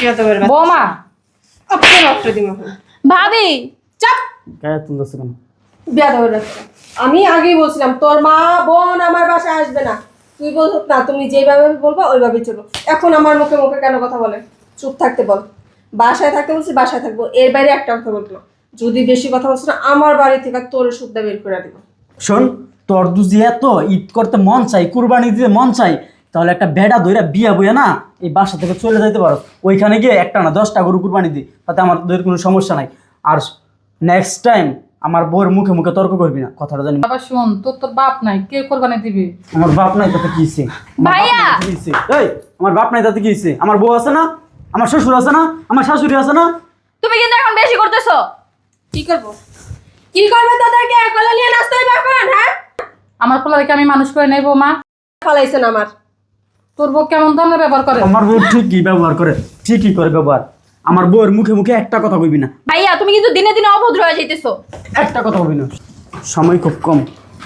বৌমা আপনার রক্ত দিমা ভাবি চাপ গায়ে তুলতেছে কেন? বেয়াদবের বাচ্চা। আমি আগেই বলছিলাম তোর মা বোন আমার বাসায় আসবে না। তুই বল না, তুমি যেভাবে বলবা ওইভাবেই চলো। এখন আমার মুখে মুখে কেন কথা বলে? চুপ থাকতে বল। বাসায় থাকতে বলছি বাসায় থাকবো, এর বাইরে একটা কথা বলতো। যদি বেশি কথা বলছ না আমার বাড়ি থেকে তোর সুদ্ধা বের করে দিব। শোন, তোর দুজি এত ঈদ করতে মন চাই, কুরবানি দিতে মন চাই, তাহলে একটা বেড়া ধইরা বিয়া বইয়া না এই বাসা থেকে চলে যাইতে পারো। ওইখানে গিয়ে একটা না 10টা গরু কুরবানি দিই, তাতে আমার তোদের কোনো সমস্যা নাই। আর নেক্সট টাইম আমার বউর মুখে মুখে তর্ক করবি না, কথাটা জানি। বাবা শোন, তোর বাপ নাই, কে কোরবানি দিবি? আমার বাপ নাই তাতে কি হইছে? ভাইয়া! এই আমার বাপ নাই তাতে কি হইছে? আমার বউ আছে না, আমার শ্বশুর আছে না, আমার শাশুড়ি আছে না। তুমি কিন্তু এখন বেশি করতেছো। কি করবো? কি করবে তোদেরকে? কলা নিয়ে নাচতে হইবে এখন? হ্যাঁ, আমার পোলাকে আমি মানুষ করে নেবো মা। ফালাইছেন আমার। তোর বউ কেমন ধরনের ব্যবহার করে? আমার বউ ঠিকই ব্যবহার করে, ঠিকই করে ব্যবহার। আমার বউয়ের মুখে মুখে একটা কথা কইবি না, ভাইয়া তুমি কিন্তু দিনে দিনে অভদ্র হয়ে যাইতেছো। একটা কথা কইবি না। সময় খুব কম।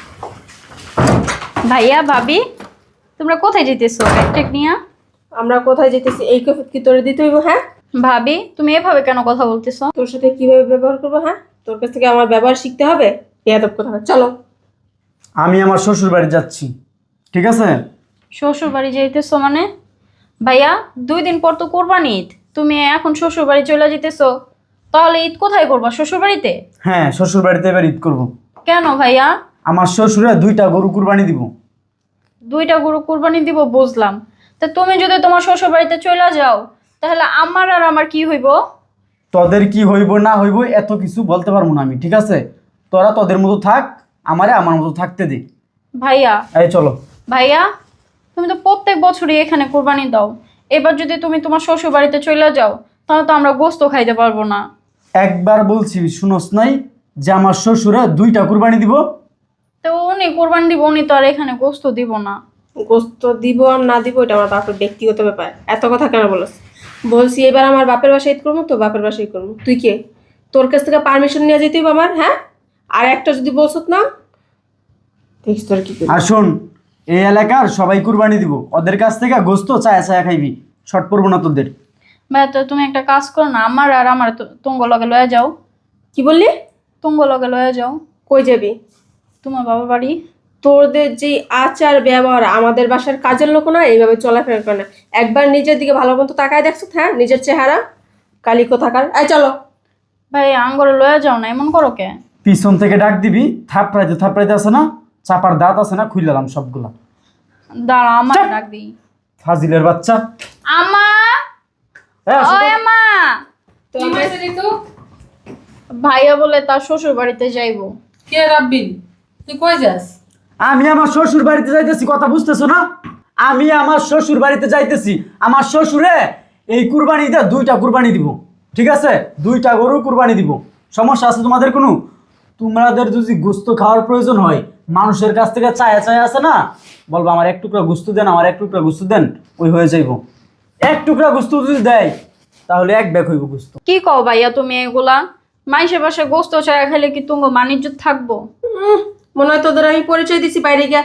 ভাইয়া ভাবি তোমরা কোথায় যেতেছো ব্যাগটেক নিয়ে? আমরা কোথায় যেতেছি এই কৈফিয়ত কি তোরে দিতে হইব? হ্যাঁ, ভাবি তুমি এভাবে কেন কথা বলতেছো? তোর সাথে কিভাবে ব্যবহার করবো? হ্যাঁ, তোর কাছ থেকে আমার ব্যবহার শিখতে হবে। বেয়াদব কথা। চলো। আমি আমার শ্বশুর বাড়ি যাচ্ছি, ঠিক আছে? শ্বশুর বাড়ি যেতেছো মানে? ভাইয়া 2 দিন পর তো কোরবানি ঈদ, তুমি এখন শ্বশুর বাড়ি চলে যেতেছো, তাহলে ঈদ কোথায় করবা? শ্বশুর বাড়িতে? হ্যাঁ, শ্বশুর বাড়িতে এবার ঈদ করবো। কেন ভাইয়া? আমার শ্বশুরে 2টা গরু কুরবানি দিব। 2টা গরু কোরবানি দিব বুঝলাম, তা তুমি যদি তোমার শ্বশুর বাড়িতে চলে যাও তাহলে আমার আর আমার কি হইব? তোদের কি হইব না হইব এত কিছু বলতে পারবো না আমি, ঠিক আছে? তোরা তোদের মতো থাক, আমারে আমার মতো থাকতে দে। ভাইয়া এই চলো। ভাইয়া তুমি তো প্রত্যেক বছরই এখানে কোরবানি দাও, এবার যদি তুমি তোমার শ্বশুর বাড়িতে চলে যাও তাহলে তো আমরা গোস্ত খাইতে পারবো না। একবার বলছি শুনোস নাই যে আমার শ্বশুরে 2টা কুরবানি দিব? তো উনি কোরবানি দিব, উনি তো আর এখানে গোস্ত দিব না। গোস্ত দিব আর না দিব এটা আমার বাপের ব্যক্তিগত ব্যাপার। এত কথা কেন বলছ? বলছি এবার আমার বাপের বাসায় ঈদ করবো তো বাপের বাসায় ঈদ করবো। তুই কে? তোর কাছ থেকে পারমিশন নিয়ে যেতেই হবে আমার? হ্যাঁ, আর একটা যদি বলছত না দেখিস তোর কি করি। আর শোন, এই এলাকার সবাই কুরবানি দিব, ওদের কাছ থেকে গোস্ত চায়া চায়া খাইবি, শর্ট পড়বো না তোদের। ভাইয়া তো তুমি একটা কাজ করো না, আমার আর আমার তুঙ্গ লগে লয়ে যাও। কি বললি? তুঙ্গ লগে লয়ে যাও। কই যাবি? তোমার বাবার বাড়ি। তোদের যে আচার ব্যবহার, আমাদের বাসার কাজের লোক না এইভাবে চলাফেরা করে না। একবার নিজের দিকে ভালো মতো তাকায় দেখছো? হ্যাঁ, নিজের চেহারা কালিকো থাকার। এই চলো। ভাই আঙ্গরে লয়ে যাও না, এমন করো কে? পিছন থেকে ডাক দিবি, থাপড়াইতে থাপড়াইতে আছে না, চাপার দাঁত আছে না, খুইলাম সবগুলা। দাঁড়া আমার চাপ। ডাক দিই। ফাজিলের বাচ্চা। আমা, এই আসো তো। ওই আমা। তো কি আমরা- হয়েছে ঋতু? ভাইয়া বলে তার শ্বশুর বাড়িতে যাইবো। কে রাব্বিল? তুই কই যাস? আমি আমার শ্বশুর বাড়িতে যাইতেছি, কথা বুঝতেছো না? আমি আমার শ্বশুর বাড়িতে যাইতেছি। আমার শ্বশুরে এই কুরবানিতে 2টা কুরবানি দিব, ঠিক আছে? 2টা গরু কুরবানি দিব। সমস্যা আছে তোমাদের কোনো? তোমাদের যদি গোস্ত খাওয়ার প্রয়োজন হয়, মানুষের কাছ থেকে চায়া চায়া আছে না, বলবো আমার 1 টুকরা গোস্ত দেন, আমার 1 টুকরা গোস্ত দেন, ওই হয়ে যাইব। 1 টুকরা গোস্ত যদি দেয় তাহলে 1 ব্যাগ হইব গোস্ত। কি কও ভাইয়া তুমি এগুলা? মাইসের বাসায় গোস্ত ছাড়া খাইলে কি তুঙ্গ মানিজ্য থাকবো? মনে হয় তোদের আমি পরিচয় দিছি বাইরে গিয়া।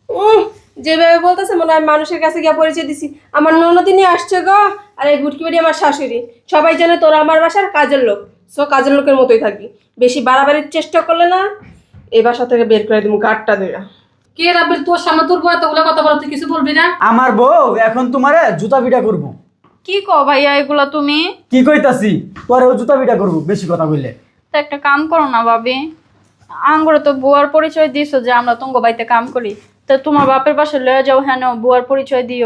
যেভাবে বলতেছে মনে হয় মানুষের কাছে গিয়া পরিচয় দিছি। আমার ননদিনী আসছে গো, আর এই গুটকি বাড়ি আমার শাশুড়ি। সবাই জানে তোরা আমার বাসার কাজের লোক। সো কাজের লোকের মতোই থাকবি। বেশি বাড়াবাড়ির চেষ্টা করলে না এই বাসা থেকে বের করে দিব গাঁটটা ধইরা। কে রাব্বিল? তোর সামনে তোর বউ এতগুলো কথা বলে তুই কিছু বলবি না? আমার বউ এখন তোমারে জুতা পিটা করবো। কি কও ভাইয়া এগুলা তুমি? কি কইতাছি, তোরেও জুতা পিটা করবো বেশি কথা কইলে। তো একটা কাম করো না ভাবি, আঙ্গরে তো বুয়ার পরিচয় দিছো যে আমরা তুঙ্গ বাড়িতে কাম করি, তো তোমার বাপের পাশে লয়ে যাও, হ্যাঁ বুয়ার পরিচয় দিও।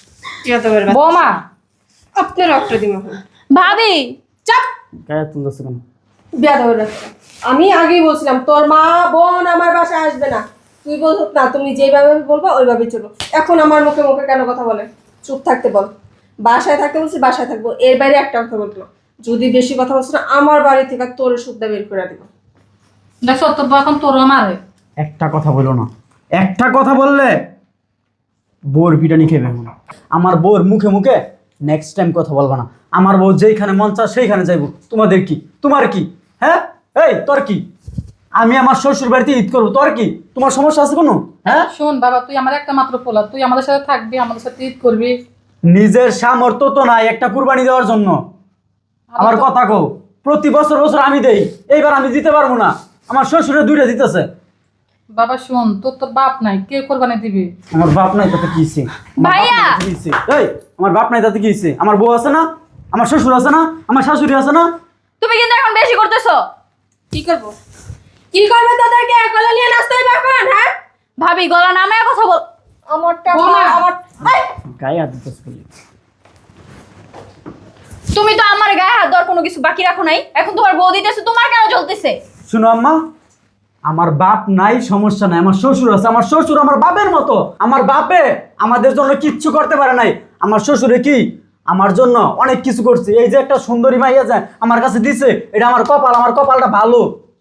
বৌমা আপনার রক্ত দিব। ভাবি চাপ। গায়ে তুলতেছে কেন? বেয়াদবের বাচ্চা। আমি আগেই বলছিলাম তোর মা বোন আমার বাসায় আসবে না। তুই বলছ না, তুমি যেভাবে বলবা ওইভাবেই চলো। এখন আমার মুখে মুখে কেন কথা বলে? চুপ থাকতে বল। বাসায় থাকতে বলছি বাসায় থাকবো, এর বাইরে একটা কথা বলতো। যদি বেশি কথা বলছ না আমার বাড়ি থেকে তোর সুদ্ধা বের করে দিব। দেখছো তোর বউ এখন তোর মারে। একটা কথা বলো না, একটা কথা বললে বউর পিটানি খেবে না। আমার বউর মুখে মুখে নেক্সট টাইম কথা বলবা না। আমার বউ যেইখানে মন চায় সেইখানে যাইবো। তোমাদের কি? তোমার কি? হ্যাঁ, এই তোর কি? আমি আমার শ্বশুর বাড়িতে ঈদ করবো, তোর কি? তোমার সমস্যা আছে কোনো? হ্যাঁ, শোন বাবা, তুই আমার একটা মাত্র পোলা, তুই আমাদের সাথে থাকবি, আমাদের সাথে ঈদ করবি। নিজের সামর্থ্য তো নাই একটা কুরবানি দেওয়ার জন্য। আমার কথা কও, প্রতি বছর বছর আমি দেই, এইবার আমি দিতে পারবো না। আমার শ্বশুরে 2টা দিতেছে। বাবা শোন, তোর তো বাপ নাই, কে কোরবানি দিবি? আমার বাপ নাই তাতে কি হইছে? ভাইয়া! এই আমার বাপ নাই তাতে কি হইছে? আমার বউ আছে না, আমার শ্বশুর আছে না, আমার শাশুড়ি আছে না। তুমি কিন্তু এখন বেশি করতেছো। কি করবো? কি করবে তোদেরকে? গলা নিয়ে নাচতে হবে এখন, হ্যাঁ? ভাবি গলা নামে কথা বল। আমার টাকা বৌমা! আমার এই! গায়ে হাত দিতেছ বলি। তুমি তো আমার গায়ে হাত দেওয়ার কোনো কিছু বাকি রাখো নাই, এখন তোমার বউ দিতেছে, তোমার কেন জ্বলতেছে? শুনো আম্মা, আমার বাপ নাই সমস্যা নাই, আমার শ্বশুর আছে। আমার শ্বশুর আমার বাপের মতো। আমার বাপে আমাদের জন্য কিচ্ছু করতে পারে নাই। আমার শ্বশুরে কি আমার জন্য অনেক কিছু করছে। এই যে একটা সুন্দরী মাইয়া যায় আমার কাছে দিছে, এটা আমার কপাল, আমার কপালটা ভালো।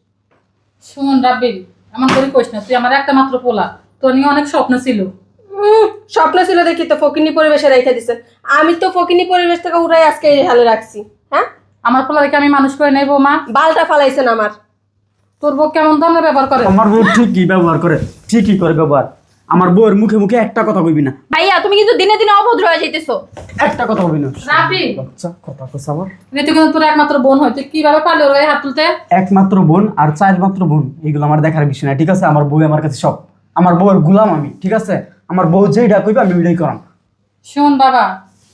শোন রাব্বিল, এমন করে কইস না, তুই আমার একটা মাত্র পোলা, তোর নিয়ে অনেক স্বপ্ন ছিল। স্বপ্ন ছিল দেখি তো ফকিনি পরিবেশে রেখে দিছে। আমি তো ফকিনি পরিবেশ থেকে উঠাই আজকে এই হালে রাখছি, হ্যাঁ? আমার পোলাকে আমি মানুষ করে নেবো মা। বালটা ফালাইছেন আমার। তোর বউ কেমন ধরনের ব্যবহার করে? আমার বউ ঠিকই ব্যবহার করে, ঠিকই করে ব্যবহার। আমার বউয়ের মুখে মুখে একটা কথা কইবি না, ভাইয়া তুমি কিন্তু দিনে দিনে অভদ্র হয়ে যাইতেছো। একটা কথা কইবি না। রাব্বিল, বাচ্চা কথা কইছ আমার। তুই কিন্তু তোর একমাত্র বোন হয়, তুই কিভাবে পারলি ওর গায়ে হাত তুলতে? একমাত্র বোন আর 4 মাত্র বোন, এগুলো আমার দেখার বিষয় না, ঠিক আছে? আমার বউ আমার কাছে সব। আমার বউয়ের গুলাম আমি, ঠিক আছে? আমার বউ যেইটা কইবে আমি ওইটাই করাম। শোন বাবা,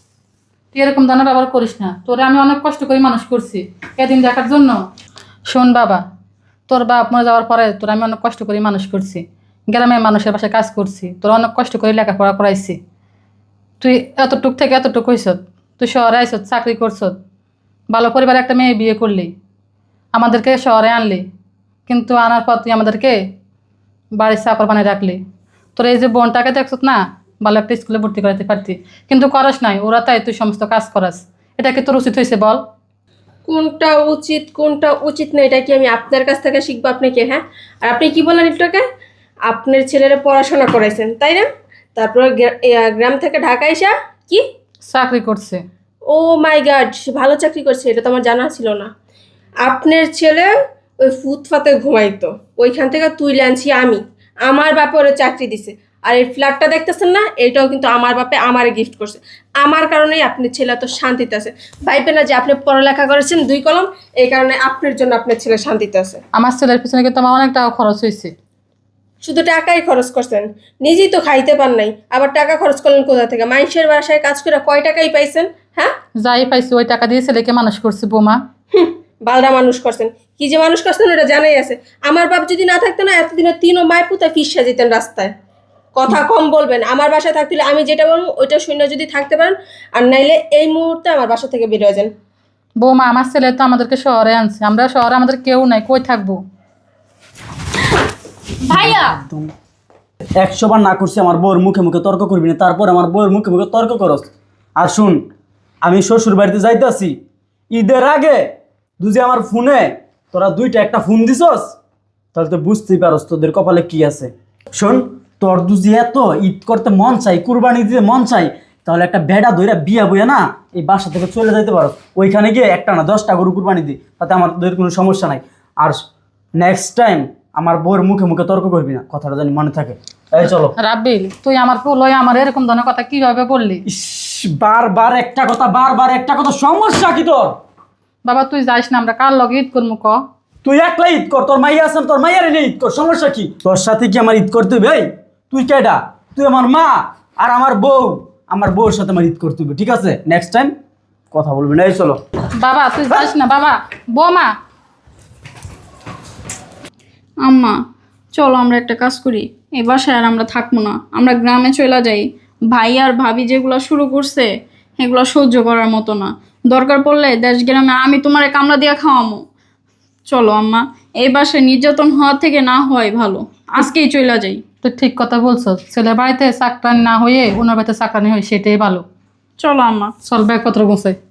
তুই এরকম ধরনের ব্যবহার করিস না। তোরে আমি অনেক কষ্ট করে মানুষ করছি এদিন দেখার জন্য। শোন বাবা, তোর বাপ মরে যাওয়ার পরে তোর আমি অনেক কষ্ট করে মানুষ করছি, গ্রামের মানুষের বাসায় কাজ করছি, তোর অনেক কষ্ট করে লেখাপড়া করাইছি। তুই এতটুক থেকে এতটুক হইছত, তুই শহরে আইসত, চাকরি করছত, ভালো পরিবারে একটা মেয়ে বিয়ে করলি, আমাদেরকে শহরে আনলি, কিন্তু আনার পর তুই আমাদেরকে বাড়ির চাকর বানিয়ে রাখলি। তোর এই যে বোনটাকে দেখছত না, ভালো একটা স্কুলে ভর্তি করাতে পারতি, কিন্তু করস নাই। ওরা তাই তুই সমস্ত কাজ করাস, এটা কি তোর উচিত হয়েছে বল? কোনটা উচিত কোনটা উচিত না এটা কি আমি আপনার কাছ থেকে শিখবো আপনাকে, হ্যাঁ? আর আপনি কি বললেন একটুকে? আপনার ছেলেরা পড়াশোনা করাইছেন তাই না? তারপর গ্রাম থেকে ঢাকা এসা কি চাকরি করছে। ও মাই গড, ভালো চাকরি করছে, এটা তো আমার জানা ছিল না। আপনার ছেলে ওই ফুটপাতে ঘুমাইতো, ওইখান থেকে তুলে আনছি আমি। আমার বাপে ওরা চাকরি দিছে। আর এই ফ্ল্যাটটা দেখতেছেন না, এটাও কিন্তু আমার বাপে আমার গিফট করছে। আমার কারণেই আপনার ছেলে এত শান্তিতে আছে। ভাইবে না যে আপনি পড়ালেখা করেছেন 2 কলম, এই কারণে আপনার জন্য আপনার ছেলে শান্তিতে আছে। আমার ছেলের পিছনে কিন্তু আমার অনেক টাকা খরচ হয়েছে। শুধু টাকাই খরচ করছেন, নিজেই তো খাইতে পার নাই, আবার টাকা খরচ করলেন কোথা থেকে? মানুষের বাসায় কাজ করে কয় টাকাই পাইছেন, হ্যাঁ? যাই পাইছি ওই টাকা দিয়ে ছেলেকে মানুষ করছি বোমা। বালরা মানুষ করছেন, কি যে মানুষ করছেন ওটা জানাই আছে। আমার বাপ যদি না থাকতো না, এতদিনে 3 মায়ের পুতা ফিসা যেতেন রাস্তায়। কথা কম বলবেন। আমার বাসায় থাকতে হলে আমি যেটা বলবো ওইটা শুনে যদি থাকতে পারেন, আর নাইলে এই মুহূর্তে আমার বাসা থেকে বের হয়ে যান। বৌমা, আমার ছেলে তো আমাদেরকে শহরে আনছে, আমরা শহরে আমাদের কেউ নাই, কই থাকবো? ভাইয়া 100 বার না করছি আমার বউয়ের মুখে মুখে তর্ক করবি না, তারপর আমার বউয়ের মুখে মুখে তর্ক করস। আর শুন, আমি শ্বশুর বাড়িতে যাইতেছি, ঈদের আগে তুই যে আমার ফোনে তোরা 2টা একটা ফোন দিছস, তাহলে তো বুঝতেই পারস তোদের কপালে কি আছে। শোন, তোর দুজি এত ঈদ করতে মন চাই, কুরবানি দিতে মন চাই, তাহলে একটা বেড়া ধইরা বিয়া বইয়া না এই বাসা থেকে চলে যাইতে পারো। ওইখানে গিয়ে একটা না 10টা গরু কুরবানি দিই, তাতে আমাদের কোনো সমস্যা নাই। আর নেক্সট টাইম আমার বউয়ের মুখে মুখে তর্ক করবি না, কথাটা জানি মনে থাকে। এই চলো। রাব্বিল, তুই আমার পোলয় আমার এরকম ধরনের কথা কিভাবে বললি? ইস, বারবার একটা কথা, বারবার একটা কথা, সমস্যা কি তোর? বাবা তুই যাইস না, আমরা কার লগে ঈদ করবো ক? তুই একলা ঈদ কর, তোর মাইয়া আছেন, তোর মাইয়ার এনে ঈদ কর, সমস্যা কি? তোর সাথে কি আমার ঈদ করতে হবে? এই তুই কেডা? তুই আমার মা আর আমার বউ, আমার বউর সাথে আমার ঈদ করতে হবে, ঠিক আছে? নেক্সট টাইম কথা বলবি না। এই চলো। বাবা তুই যাইস না বাবা। বৌমা, আম্মা চলো আমরা একটা কাজ করি, এই বাসায় আর আমরা থাকবো না, আমরা গ্রামে চলে যাই। ভাই আর ভাবি যেগুলো শুরু করছে এগুলো সহ্য করার মতো না, দরকার পড়লে দেশ গ্রামে আমি তোমারে কামলা দিয়া খাওয়ামো। চলো আম্মা, এই বাসায় নির্যাতন হওয়ার থেকে না হয় ভালো, আজকেই চলে যাই। তুই ঠিক কথা বলছো, ছেলের বাড়িতে চাকরানি না হয়ে ওনার বাড়িতে চাকরানি হয়, সেটাই ভালো। চলো আম্মা। চল ব্যাগপত্র গোছাই।